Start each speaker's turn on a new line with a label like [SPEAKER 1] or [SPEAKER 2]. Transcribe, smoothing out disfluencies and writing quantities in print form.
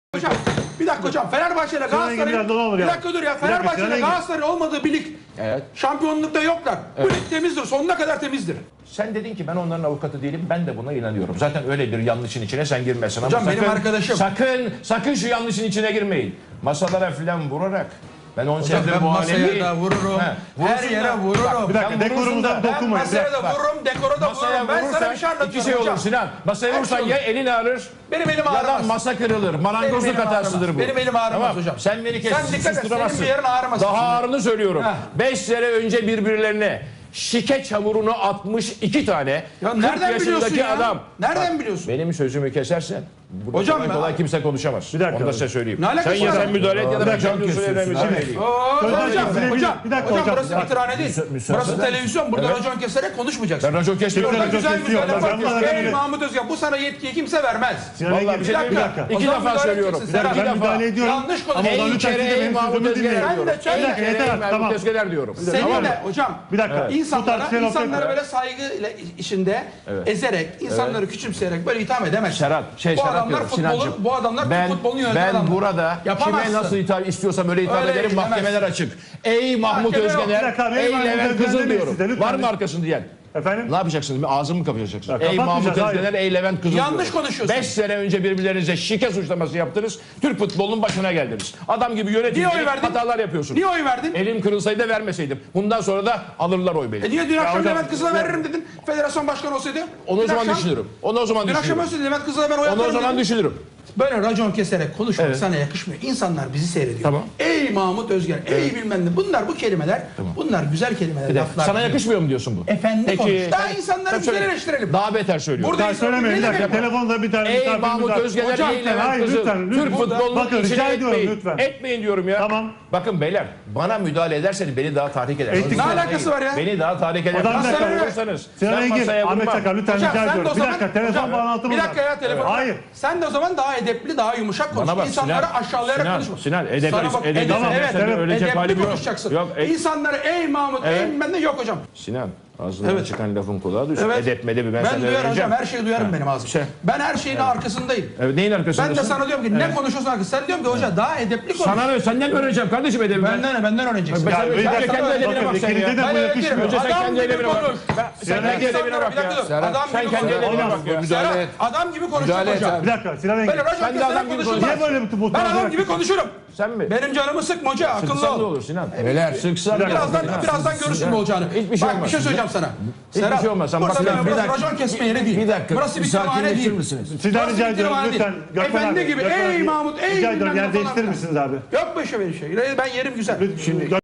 [SPEAKER 1] Hocam bir dakika hocam, Fenerbahçe ile Galatasaray'ın bir dakika dur ya, Fenerbahçe ile Galatasaray'ın olmadığı bir lig,
[SPEAKER 2] Evet.
[SPEAKER 1] şampiyonlukta yoklar. Bu lig temizdir, sonuna kadar temizdir.
[SPEAKER 2] Sen dedin ki ben onların avukatı değilim, ben de buna inanıyorum. Zaten öyle bir yanlışın içine sen girmesin.
[SPEAKER 1] Hocam
[SPEAKER 2] ama
[SPEAKER 1] benim arkadaşım.
[SPEAKER 2] Sakın şu yanlışın içine girmeyin. Masalara filan vurarak. Ben 10
[SPEAKER 1] Hocam
[SPEAKER 2] senedir
[SPEAKER 1] ben
[SPEAKER 2] bu
[SPEAKER 1] masaya
[SPEAKER 2] alemi...
[SPEAKER 1] da vururum, her yere vururum.
[SPEAKER 3] Bir dakika, dekorumuza
[SPEAKER 1] Ben
[SPEAKER 3] dokunmayın.
[SPEAKER 1] masaya da vururum, dekora da
[SPEAKER 2] Masaya
[SPEAKER 1] vururum. Ben sana
[SPEAKER 2] vurursan
[SPEAKER 1] bir şey anlatıyorum
[SPEAKER 2] iki şey olur
[SPEAKER 1] hocam.
[SPEAKER 2] Sinan. Masaya vurursan ya elin ağrır,
[SPEAKER 1] Benim elim
[SPEAKER 2] ya da
[SPEAKER 1] ağrımaz.
[SPEAKER 2] masa kırılır. Marangozluk
[SPEAKER 1] Benim elim
[SPEAKER 2] hatasıdır
[SPEAKER 1] ağrımaz.
[SPEAKER 2] bu.
[SPEAKER 1] Benim elim ağrımaz
[SPEAKER 2] Tamam.
[SPEAKER 1] hocam.
[SPEAKER 2] Sen beni
[SPEAKER 1] Sen dikkat et, senin
[SPEAKER 2] susturamazsın.
[SPEAKER 1] bir yerin ağrımasın.
[SPEAKER 2] Daha ağrını söylüyorum.
[SPEAKER 1] Heh.
[SPEAKER 2] 5 sene önce birbirlerine şike çamurunu atmış 2 tane
[SPEAKER 1] Ya
[SPEAKER 2] 40
[SPEAKER 1] nereden biliyorsun
[SPEAKER 2] yaşındaki
[SPEAKER 1] ya?
[SPEAKER 2] adam.
[SPEAKER 1] Nereden biliyorsun?
[SPEAKER 2] Benim sözümü kesersen burada
[SPEAKER 1] Hocam
[SPEAKER 2] kolay
[SPEAKER 1] ben-
[SPEAKER 2] kolay kimse konuşamaz.
[SPEAKER 3] Bir dakika.
[SPEAKER 2] Onu da size söyleyeyim.
[SPEAKER 1] Ne alakası
[SPEAKER 2] Sen ya
[SPEAKER 1] var?
[SPEAKER 2] sen müdahale et ya da ben
[SPEAKER 3] dakika,
[SPEAKER 2] kendi usullerimi söyleyeyim.
[SPEAKER 1] Hocam,
[SPEAKER 3] Bir dakika
[SPEAKER 1] hocam
[SPEAKER 3] hocam.
[SPEAKER 1] burası bitirhane değil. Burası televizyon. Burada racon keserek konuşmayacaksın.
[SPEAKER 2] Ben racon kesmiyorum.
[SPEAKER 1] Burada
[SPEAKER 3] Racon
[SPEAKER 1] güzel
[SPEAKER 3] kesiyor.
[SPEAKER 1] müdahale
[SPEAKER 3] Ben buna
[SPEAKER 1] yapıyorsun. Ey
[SPEAKER 3] demedim.
[SPEAKER 1] Mahmut Özgen, bu sana yetkiyi kimse vermez.
[SPEAKER 2] Vallahi bir şey
[SPEAKER 1] Bir
[SPEAKER 2] diyeyim mi?
[SPEAKER 1] dakika.
[SPEAKER 2] İki
[SPEAKER 1] O zaman
[SPEAKER 2] defa
[SPEAKER 1] müdahale
[SPEAKER 2] söylüyorum.
[SPEAKER 1] edeceksin,
[SPEAKER 2] İki
[SPEAKER 1] Serhat.
[SPEAKER 3] Ben
[SPEAKER 2] defa.
[SPEAKER 3] müdahale ediyorum.
[SPEAKER 1] Yanlış
[SPEAKER 3] Ama
[SPEAKER 1] konuşuyorsun.
[SPEAKER 3] onu
[SPEAKER 2] En
[SPEAKER 3] lütfen
[SPEAKER 2] kere
[SPEAKER 3] siz de
[SPEAKER 2] ey
[SPEAKER 3] benim
[SPEAKER 2] Mahmut
[SPEAKER 3] sözümü
[SPEAKER 2] Özgener
[SPEAKER 3] dinleyin.
[SPEAKER 1] Sen de
[SPEAKER 2] diyorum.
[SPEAKER 1] çay-
[SPEAKER 2] En
[SPEAKER 3] Bir dakika,
[SPEAKER 2] kere ey
[SPEAKER 3] yeter,
[SPEAKER 2] Mahmut
[SPEAKER 3] tamam.
[SPEAKER 2] Özgener diyorum.
[SPEAKER 1] Senin
[SPEAKER 2] Tamam mı?
[SPEAKER 1] de hocam
[SPEAKER 3] Bir dakika. Bu
[SPEAKER 1] insanlara
[SPEAKER 3] tartışmayı
[SPEAKER 1] insanları
[SPEAKER 3] laflayın.
[SPEAKER 1] böyle saygıyla içinde ezerek, insanları küçümseyerek böyle itham edemez.
[SPEAKER 2] Serhat,
[SPEAKER 1] Bu
[SPEAKER 2] Serhat
[SPEAKER 1] adamlar
[SPEAKER 2] diyorum, Sinancığım.
[SPEAKER 1] futbolun, bu adamlar Türk futbolunu yöneten
[SPEAKER 2] Ben
[SPEAKER 1] adamlar.
[SPEAKER 2] burada
[SPEAKER 1] Yapamazsın.
[SPEAKER 2] kime nasıl istiyorsam öyle hitap
[SPEAKER 1] Öyle
[SPEAKER 2] ederim.
[SPEAKER 1] gidemezsin.
[SPEAKER 2] Mahkemeler açık. Ey Mahmut
[SPEAKER 1] Mahkeme yok.
[SPEAKER 2] Özgener,
[SPEAKER 3] Bir dakika,
[SPEAKER 2] ey
[SPEAKER 3] ey Mahmut
[SPEAKER 2] Levent
[SPEAKER 3] Özgener
[SPEAKER 2] Kızıl
[SPEAKER 3] demeyin
[SPEAKER 2] diyorum.
[SPEAKER 3] siz de, lütfen.
[SPEAKER 2] Var mı arkasını diyen?
[SPEAKER 3] Efendim?
[SPEAKER 2] Ne yapacaksınız? Ağzımı mı kapatacaksınız?
[SPEAKER 3] Ya,
[SPEAKER 2] Ey Mahmut
[SPEAKER 3] kapatmayacağız,
[SPEAKER 2] Özgener, ey Levent Kızıl
[SPEAKER 1] Yanlış
[SPEAKER 2] diyorum.
[SPEAKER 1] konuşuyorsun.
[SPEAKER 2] 5 sene önce birbirlerinize şike suçlaması yaptınız. Türk futbolunun başına geldiniz. Adam gibi
[SPEAKER 1] Niye oy
[SPEAKER 2] yönetim
[SPEAKER 1] verdin?
[SPEAKER 2] hatalar yapıyorsunuz.
[SPEAKER 1] Niye oy verdin?
[SPEAKER 2] Elim kırılsaydı da vermeseydim. Bundan sonra da alırlar oy beni.
[SPEAKER 1] Niye dün akşam
[SPEAKER 3] hocam,
[SPEAKER 1] Levent Kızıl'a veririm dedin? Federasyon başkanı olsaydı.
[SPEAKER 2] Onu o
[SPEAKER 1] Dün
[SPEAKER 2] zaman
[SPEAKER 1] akşam-
[SPEAKER 2] düşünürüm. Onu o zaman
[SPEAKER 1] Dün akşam
[SPEAKER 2] düşünürüm.
[SPEAKER 1] olsaydı Levent Kızıl'a ben oy
[SPEAKER 2] Onu
[SPEAKER 1] atarım
[SPEAKER 2] o zaman
[SPEAKER 1] dedin.
[SPEAKER 2] düşünürüm.
[SPEAKER 1] Böyle racon keserek konuşmak sana yakışmıyor. İnsanlar bizi seyrediyor.
[SPEAKER 2] Tamam.
[SPEAKER 1] Ey Mahmut Özgen, ey bilmem ne. Bunlar bu kelimeler, bunlar güzel kelimeler, laflar.
[SPEAKER 2] Sana yakışmıyor mu diyorsun bu?
[SPEAKER 1] Efendi konuş. Daha
[SPEAKER 2] sen-
[SPEAKER 1] insanları
[SPEAKER 2] sen
[SPEAKER 1] güzel
[SPEAKER 2] söyle.
[SPEAKER 1] eleştirelim.
[SPEAKER 2] Daha beter söylüyorum.
[SPEAKER 1] Burada
[SPEAKER 3] Ben söylemeyin. Bir
[SPEAKER 1] Ne
[SPEAKER 3] dakika.
[SPEAKER 1] demek bu?
[SPEAKER 3] Telefonda bir tane
[SPEAKER 2] Ey
[SPEAKER 3] misafirimiz
[SPEAKER 2] Mahmut
[SPEAKER 3] var.
[SPEAKER 2] Özgener,
[SPEAKER 1] Hocam,
[SPEAKER 2] ey Levent
[SPEAKER 3] hayır,
[SPEAKER 2] Kızıl.
[SPEAKER 3] lütfen,
[SPEAKER 2] Türk
[SPEAKER 3] lütfen.
[SPEAKER 2] futbolunun
[SPEAKER 3] Bakın,
[SPEAKER 2] içine
[SPEAKER 3] rica ediyorum,
[SPEAKER 2] etmeyin.
[SPEAKER 3] lütfen.
[SPEAKER 2] Etmeyin diyorum ya.
[SPEAKER 3] Tamam.
[SPEAKER 2] Bakın beyler, bana müdahale ederseniz beni daha tahrik edersiniz.
[SPEAKER 3] Ettik.
[SPEAKER 1] Ne alakası var ya?
[SPEAKER 2] Beni daha tahrik edersiniz.
[SPEAKER 3] Hocam, bir dakika.
[SPEAKER 2] Masaya vurursanız,
[SPEAKER 3] Sinan
[SPEAKER 2] ben
[SPEAKER 3] Engin,
[SPEAKER 2] masaya
[SPEAKER 3] Ahmet
[SPEAKER 2] vurmam.
[SPEAKER 3] Çakar lütfen
[SPEAKER 1] Hocam
[SPEAKER 3] rica
[SPEAKER 1] sen de o
[SPEAKER 3] ediyorum. Bir
[SPEAKER 1] zaman...
[SPEAKER 3] dakika, telefon
[SPEAKER 1] Hocam,
[SPEAKER 3] bağlantımız
[SPEAKER 1] bir dakika
[SPEAKER 3] var.
[SPEAKER 1] ya, telefon.
[SPEAKER 3] Hayır.
[SPEAKER 1] Sen de o zaman daha edepli, daha yumuşak konuş.
[SPEAKER 2] Bana bak,
[SPEAKER 1] İnsanları
[SPEAKER 2] Sinan,
[SPEAKER 1] aşağılayarak
[SPEAKER 2] Sinan,
[SPEAKER 1] konuşma.
[SPEAKER 2] Sinan, edep-
[SPEAKER 1] Sana bak,
[SPEAKER 2] edep-
[SPEAKER 1] tamam,
[SPEAKER 2] evet,
[SPEAKER 1] evet,
[SPEAKER 2] ölecek
[SPEAKER 1] edepli
[SPEAKER 2] halim yok.
[SPEAKER 1] konuşacaksın.
[SPEAKER 2] Yok,
[SPEAKER 1] İnsanları ey Mahmut,
[SPEAKER 2] Evet.
[SPEAKER 1] ey bilmem ne yok hocam.
[SPEAKER 2] Sinan, ağzından
[SPEAKER 1] Evet.
[SPEAKER 2] çıkan lafın kulağa düşsün.
[SPEAKER 1] Evet.
[SPEAKER 2] Edep medep ben
[SPEAKER 1] Ben
[SPEAKER 2] sana
[SPEAKER 1] duyarım
[SPEAKER 2] vereceğim.
[SPEAKER 1] hocam, her şeyi duyarım benim ağzım.
[SPEAKER 2] Şey.
[SPEAKER 1] Ben her şeyin arkasındayım.
[SPEAKER 2] Evet, neyin arkasındasın?
[SPEAKER 1] Ben de sana diyorum ki ne konuşuyorsun arkasında? Sen diyorum ki hoca daha edepli konuş.
[SPEAKER 2] Sana ne? Senden mi öğreneceğim kardeşim edebi?
[SPEAKER 1] Benden öğreneceksin.
[SPEAKER 2] Ben-
[SPEAKER 3] Ya,
[SPEAKER 2] sen
[SPEAKER 3] bir
[SPEAKER 2] önce
[SPEAKER 3] dakika,
[SPEAKER 2] kendi edebine
[SPEAKER 3] bakın,
[SPEAKER 2] bak sen
[SPEAKER 3] ikinize
[SPEAKER 2] ya.
[SPEAKER 3] de bu
[SPEAKER 1] Ben
[SPEAKER 3] yakışmıyor.
[SPEAKER 1] öyle
[SPEAKER 2] Önce sen
[SPEAKER 1] Adam
[SPEAKER 2] kendi
[SPEAKER 1] gibi
[SPEAKER 2] edebine bak.
[SPEAKER 1] konuş.
[SPEAKER 2] Sen kendi edebine bak ya.
[SPEAKER 1] Adam
[SPEAKER 2] Sen
[SPEAKER 1] gibi
[SPEAKER 2] kendi
[SPEAKER 1] konuş.
[SPEAKER 2] edebine bak ya.
[SPEAKER 1] Serhat, adam gibi konuşurum hocam.
[SPEAKER 3] Bir dakika Sinan Engin.
[SPEAKER 1] Böyle racon
[SPEAKER 2] Sen de
[SPEAKER 1] keserek
[SPEAKER 2] adam gibi
[SPEAKER 1] konuşulmaz.
[SPEAKER 3] Niye böyle bir
[SPEAKER 1] Ben adam gibi konuşurum.
[SPEAKER 2] Sen mi?
[SPEAKER 1] Benim canımı sıkma hoca, akıllı
[SPEAKER 2] Sıksan ne
[SPEAKER 1] ol.
[SPEAKER 2] olur Sinan? Neler? Sıksan
[SPEAKER 1] Birazdan görürsün ne olacağını.
[SPEAKER 2] Hiçbir şey
[SPEAKER 1] Bak
[SPEAKER 2] olmaz.
[SPEAKER 1] bir şey söyleyeceğim sana.
[SPEAKER 2] Hiçbir şey olmaz. Sen
[SPEAKER 1] burası
[SPEAKER 2] bak-
[SPEAKER 1] burası
[SPEAKER 2] bir dakika.
[SPEAKER 1] racon kesme yeri değil.
[SPEAKER 4] Bir dakika,
[SPEAKER 1] Burası
[SPEAKER 4] bir
[SPEAKER 1] bir tımarhane
[SPEAKER 4] sakinleşir
[SPEAKER 1] değil.
[SPEAKER 4] misiniz?
[SPEAKER 3] Sizden
[SPEAKER 1] Burası
[SPEAKER 3] rica
[SPEAKER 1] bir
[SPEAKER 3] ediyorum
[SPEAKER 1] tımarhane
[SPEAKER 3] lütfen.
[SPEAKER 1] değil.
[SPEAKER 3] Gökmen
[SPEAKER 1] Efendi
[SPEAKER 3] abi,
[SPEAKER 1] gibi
[SPEAKER 3] Gökmen
[SPEAKER 1] ey
[SPEAKER 3] abi,
[SPEAKER 1] Mahmut, ey
[SPEAKER 3] rica ediyorum
[SPEAKER 1] bilmem ne
[SPEAKER 3] yer
[SPEAKER 1] falan
[SPEAKER 3] değiştirir
[SPEAKER 1] filan.
[SPEAKER 3] misiniz abi?
[SPEAKER 1] Yok böyle şey. Ben yerim güzel.
[SPEAKER 3] Şimdi